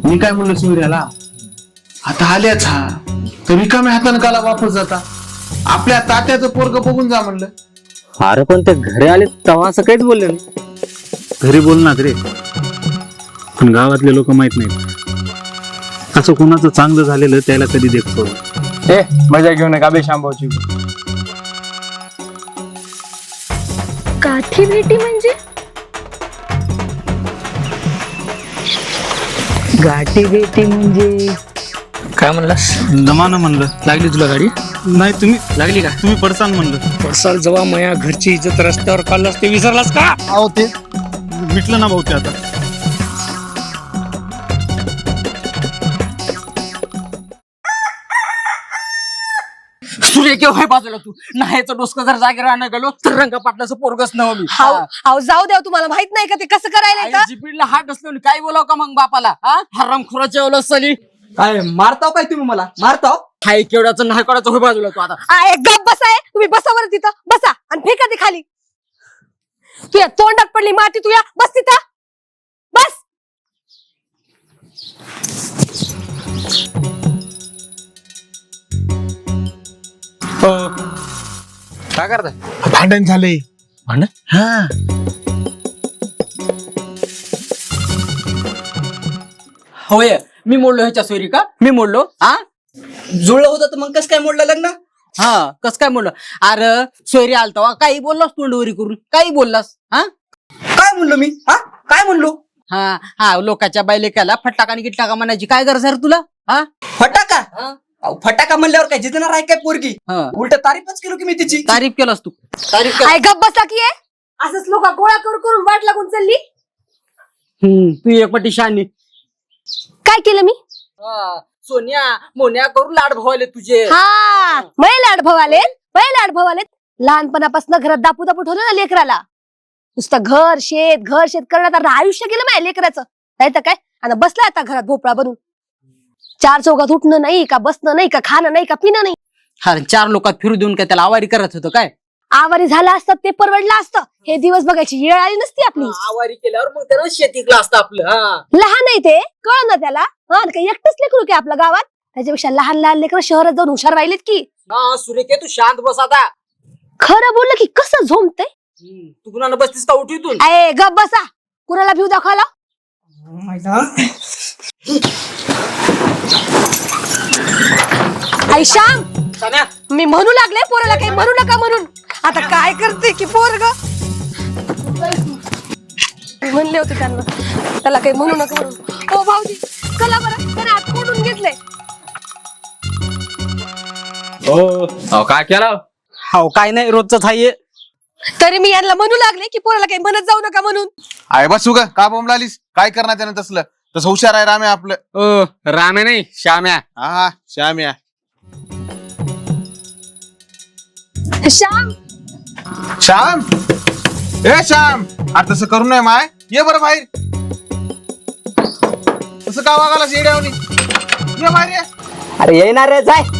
मी काय म्हणलं सूर्याला, आता आल्याच हा तर रिकाम्या हाताने काला वापस जाता, आपल्या तात्याचं पोरग बघून जा म्हणलं. अरे पण ते घरी आले तेव्हा असं काहीच बोलले नाही. घरी बोलणार रे, पण गावातले लोक माहित नाहीत. असं कोणाचं चांगलं झालेलं त्याला कधी देखतो. ए मजा घेऊ नका बे शांभाऊची. गाठी भेटी म्हणजे गाठी भेटी म्हणजे काय म्हणलास? जमानं म्हणलं. लागली तुला गाडी? नाही तुम्ही लागली का? तुम्ही पडसान म्हणलं. पडसाल जेव्हा मया घरची इज्जत रस्त्यावर काढलास ते विसरलास का? अहो ते मिटलं ना भाऊ ते आता. सूर्य केव्हा बाजूला तू नाहीचं डोसकं जर जागेवर आणा गेलो तर रंग पाटलाचं पोरगच नव मी. हाव जाऊ द्या, तुम्हाला माहित नाही का ते कसं करायला का? जिपीडला हात असलो काय बोलाव का मग बापाला? हरामखोराच्या ओलं सली काय मारताव काय तुम्ही मला मारताव? हाय केवढ्याचं नाही केवढ्याचं होय बाजूला तू आता. एक गप बसाय, तुम्ही बसा बरं तिथं, बसा आणि फेका ते खाली. तुया तोंडात पडली माती, तुया बस तिथं बस. काय करताय? भांडण झालंय. भांडण? हा होय मी मोडलो ह्याच्या सोयरी का? मी मोडलो? जुळलं होतं तर मग कसं काय मोडलं लग्न? कस काय मोडलं? अरे सोयरी आलता काही बोललास तोंडवरी करून, काही बोललास? काय म्हणलो मी? काय म्हणलो? लोकांच्या बायलेकाला फटाका आणि गिटटाका म्हणायची काय गरज आहे रे तुला? फटाका? फटाका म्हणल्यावर काय जितणार आहे काय पोरगी? उलट तारीफच केलो की मी तिची. तारीफ केलास तू, तारीफ केला. काय गप बसा की आहे? असंच लोक गोळा करून वाट लागून चालली. तू एक पट्टी शानी. काय केलं मी? सोन्या मोन्या करून लाड भवाले तुझे. मै लाड भवाले लहानपणापासून घरात दापू ठेवलं ना लेकराला. नुसतं घर शेत करण्यात आता आयुष्य गेलं माझ्या लेकराचं. नाही तर काय, आणि बसलाय आता घरात भोपळा बनून. चार चौकात उठणं नाही का, बसणं नाही का, खाणं नाही का, पिणं नाही. अरे चार लोकात फिरू देऊन काय त्याला आवारी करत होतं काय? आवारी झालं असतं ते परवडलं असतं. हे दिवस बघायची वेळ आली नसती आपली. आवारी केल्यावर मग त्याला शेतीतलं असतं आपलं. लहान आहे ते, कळ ना त्याला. काही एकटंच लेकरू की आपल्या गावात? त्याच्यापेक्षा लहान लेकरं शहरात जाऊन हुशार राहिलेत की. सुरेखे तू शांत बस आता. खरं बोललं की कसं झोमतय. तू कुणाला बसतीस का उठीतून? गप बसा, कुणाला भीव दाखवायला? आई श्याम, मी म्हणू लागले पोराला काही म्हणू नका म्हणून. आता काय करते की पोरग म्हणले होते त्यांना त्याला काही म्हणू नका म्हणून. ओ भाऊजी चला बरं, त्याने हात कोंडून घेतले. काय केला? काय नाही, रोजच आहे. तरी मी यांना म्हणू लागले की पोराला काही म्हणत जाऊ नका म्हणून. आहे बसू का बोंबलालीस? काय करणार त्यानं तसलं? तसं हुशार आहे राम्या आपलं. राम्या नाही श्याम्या. हा श्याम्या. श्याम श्याम, ए श्याम, अरे तसं करू नये माय. ये बरं बाहेर. तसं का वागायला शेड्यावनी? ये बाहेर ये. अरे येणार रे, जाय.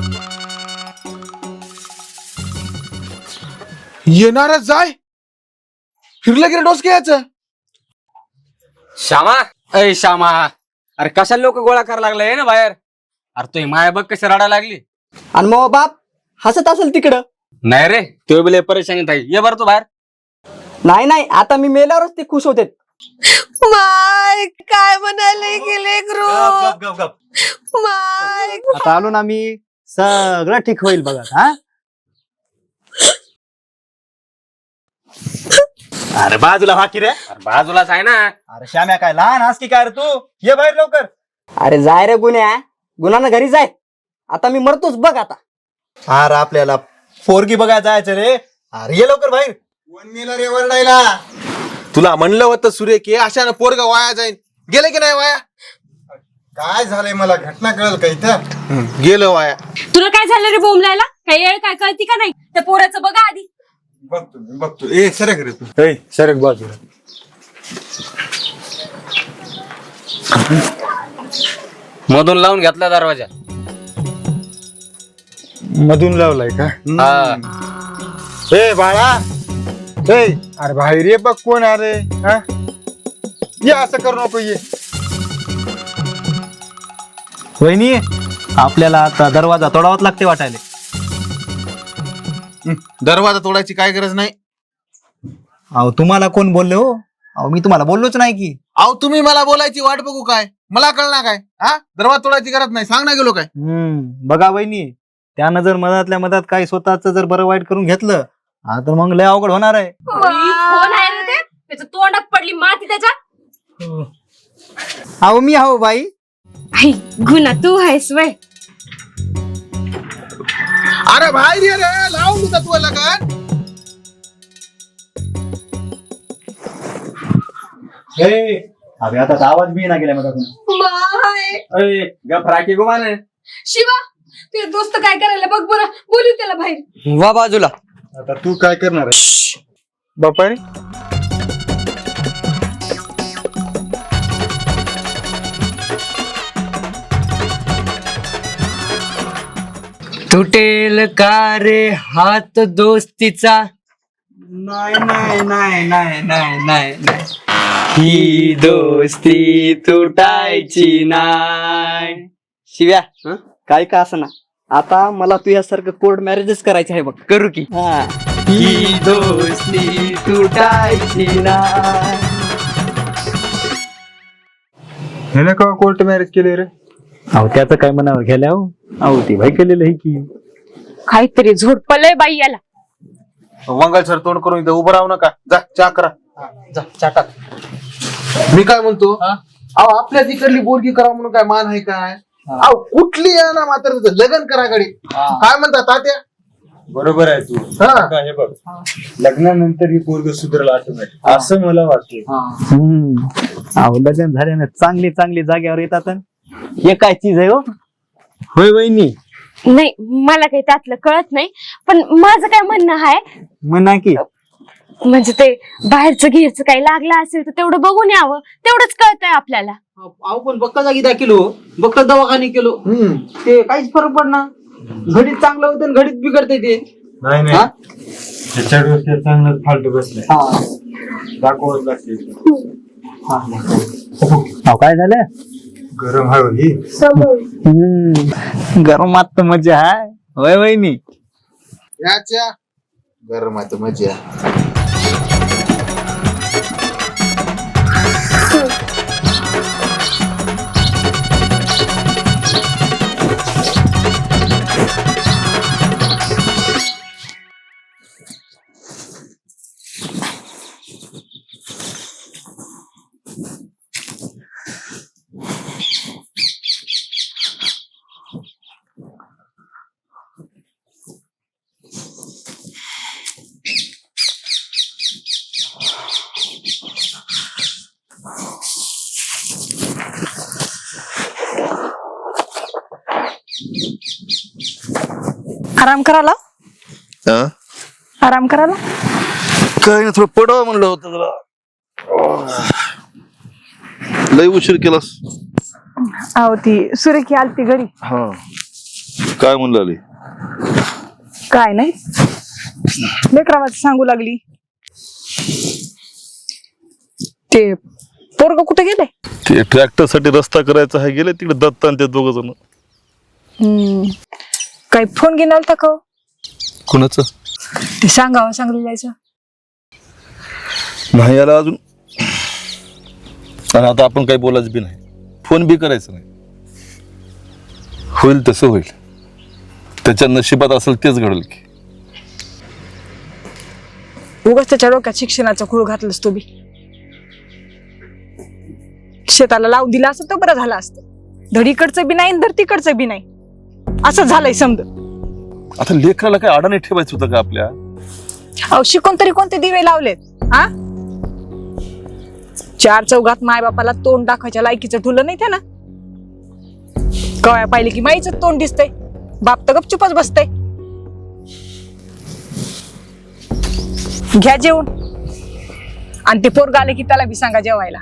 येणारच जाय. फिरलं गेलं डोस घ्यायचं. श्यामा, अय श्यामा, अरे कशाला लोक गोळा करायला लागलाय ना बाहेर? अरे तुझी माया बघ कशी रडायला लागली. आणि मग बाप हसत असेल तिकडं. नाही रे, तो बिले परेशानीत आहे. ये बरं तू बाहेर. नाही आता मी मेल्यावरच ते खुश होते. माय काय म्हणाले गेले ग्रो. माय आता आलो ना मी, सगळं ठीक होईल बघा. अरे बाजूला हा की रे. अरे बाजूलाच आहे ना. अरे श्याम्या काय लहान हास की काय रे तू? ये बाहेर लवकर. अरे जाय रे गुन्हानं घरी जाय. आता मी मरतोच बघ आता. अरे आपल्याला पोरगी बघायला जायचं रे. अरे ये लवकर बाहेर. कोण मेला रे वरडायला? तुला म्हणलं होतं सुरेख, अशानं पोरगा वाया जाईल. गेले की नाही वाया? काय झालंय मला घटना कळलं का इथं? गेलं वाया. तुला काय झालं रे बोंबलायला? काही येळ काय कळती का नाही? त्या पोराचं बघा आधी. बघतो ए सरक रे तू. सरक बाजूला. मधून लावून घेतला दरवाजा. मधून लावलाय का? ए बाळा, ए अरे बाहेर ये बघ कोण अरे. ये असं करू नको. ये वहिनी आपल्याला आता दरवाजा तोडावाच लागते वाटायला. दरवाजा तोडायची काय गरज नाही. अहो तुम्हाला कोण बोलले हो? अहो मी तुम्हाला बोललोच नाही की. अहो तुम्ही मला बोलायची वाट बघू काय, मला कळणार काय? हा, दरवाजा तोडायची गरज नाही, सांग ना गेलो काय. बघा वहिनी, त्यानं जर मधातल्या मधात काही स्वतःच जर बरं वाईट करून घेतलं तर मग लय अवघड होणार आहे. कोण आहे रे ते? त्याच्या तोंडात पडली माती त्याच्या. अहो मी हो बाई. आई गुन्हा तू आहेस वय. अरे बाहेर ये रे, लावून तुझा तू लगन. अरे आता आवाज बी ना गेला मधातून. शिवा तुझे दोस्त काय करायला बघ बरं, बोलू त्याला बाहेर. वा बाजूला. आता तू काय करणार आहे? बापा रे, तुटेल का रे हात दोस्तीचा? नाही नाही नाही नाही नाही नाही नाही. ही दोस्ती तुटायची नाय. शिव्या काय का असं ना, आता मला तुझ्यासारखं कोर्ट मॅरेजच करायचं आहे बघ. करू की? ही दोस्ती तुटायची नाय. ह्याने का कोर्ट मॅरेज केले रे? अहो त्याचं काय म्हणावं गेल्या हो. अहो ती भाई केलेलं आहे की. काहीतरी झोडपलंय बाई याला. मंगल सर तोंड करून इथं उभं राहू नका, जा चहा करा. जा चाटा. मी काय म्हणतो, अहो आपल्या तिकडली बोलगी करा म्हणून काय मान आहे काय? अहो कुठली आहे ना, मात्र लग्न करा गडी. काय म्हणतात तात्या? बरोबर आहे तू. हा. का हे बघ, लग्नानंतर ही पोरग सुधरल ऑटोमॅटिक असं मला वाटतं. अहो लग्न झाल्यानं चांगली चांगली जाग्यावर येतात. हे काय चीज आहे हो? होय वहिनी. नाही मला काही त्यातलं कळत नाही, पण माझं काय म्हणणं आहे म्हणा की. म्हणजे ते बाहेरचं घ्यायचं काही लागलं असेल तर तेवढं बघून यावं, तेवढंच कळतंय आपल्याला. अहो पण बक्का जागी द्या केलो, बक्का दवाखाने केलो, ते काहीच फरक पडणार. घडीत चांगलं होतं आणि घडीत बिघडते ते. नाही नाही, त्याच्या डोक्यात चांगलं फालतू बसलाय. दाखवत लागते. अहो काय झालं? गरम हवी ही. गरमात तर मजा आहे. होय वहिनी. याच्या गरमात मजा. आराम करायला. आराम करायला काय नाही, थोडं पडावं म्हणलं होतं तुला. लय उशीर केलास. अहो ती सुरेखी आलती घरी. हा काय म्हणलं आली? काय नाही, लेकरावाच सांगू लागली. ते पोरग कुठे गेले? ते ट्रॅक्टर साठी रस्ता करायचा आहे, गेले तिकडे दत्ता आणि ते दोघ जण. काही फोन घेऊन आलता का? कुणाचं? ते सांगावं सांगली जायचं नाही आला अजून. आणि आता आपण काही बोलायचं बी नाही, फोन बी करायचं नाही. होईल तसं होईल, त्याच्या नशिबात असेल तेच घडेल की. उगाच त्याच्या डोक्यात शिक्षणाचा खूळ घातलंस तू बी. शेताला लावून दिला असं तर बरं झालं असतं. धडीकडचं बी नाही धर तिकडचं बी नाही, असं झालंय समज. आता लेकराला काय अडाणी ठेवायचं होतं का आपल्या? अहो शिकून तरी कोणते दिवे लावलेत? हा, चार चौघात माय बापाला तोंड दाखवायच्या लायकीचं ठुलं नाही त्यानं. कवया पाहिले की माईचं तोंड दिसतंय, बाप तर गपचुपच बसतंय. घ्या जेवून, आणि ते पोरग आले की त्याला बी सांगा जेवायला.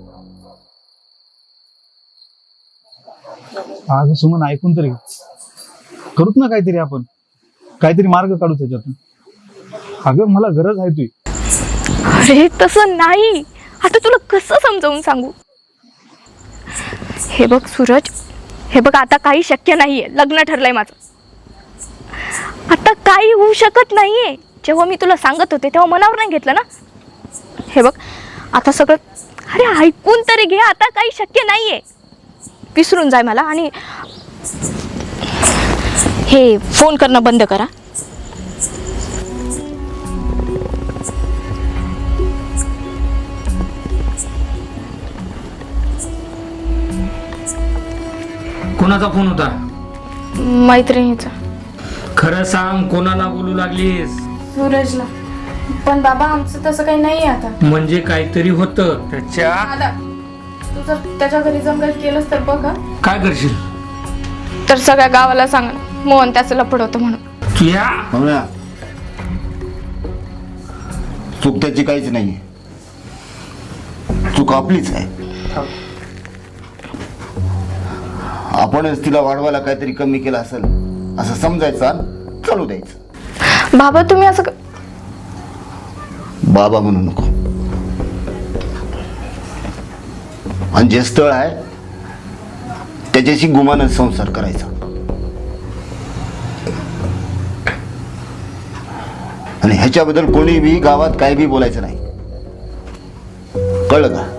आज सुमन ऐकून तरी करूत ना काहीतरी आपण, काहीतरी मार्ग काढू त्याच्यातून. अगं मला गरज आहे तुझी. अरे तसं नाही, आता तुला कसं समजावून सांगू. हे बघ सूरज, हे बघ आता काही शक्य नाहीये. लग्न ठरलंय माझं, आता काही होऊ शकत नाहीये. जेव्हा मी तुला सांगत होते तेव्हा मनावर नाही घेतलं ना. हे बघ आता सगळं, अरे ऐकून तरी घे, आता काही शक्य नाहीये. विसरून जाय मला आणि हे फोन करणं बंद करा. कोणाचा फोन होता? मैत्रिणीचा. खरं सांग, कोणाला बोलू लागलीस? सूरजला. पण बाबा आमचं तसं काही नाहीये आता. म्हणजे काहीतरी होतं त्याच्या. दादा तू जर त्याच्या घरी जंगल केलंस तर बघा. काय करशील? तर सगळ्या गावाला सांग मोहन त्याचं लपड होतं म्हणून. तुया चूक त्याची काहीच नाहीये, चूक आपलीच आहे. आपणच तिला वाढवायला काहीतरी कमी केलं असेल असं समजायचं आणि चालू द्यायचं. बाबा तुम्ही असं बाबा म्हणू नको. आणि जे स्थळ आहे त्याच्याशी गुमानच संसार करायचा. आणि ह्याच्याबद्दल कोणी बी गावात काय बी बोलायचं नाही, कळलं का?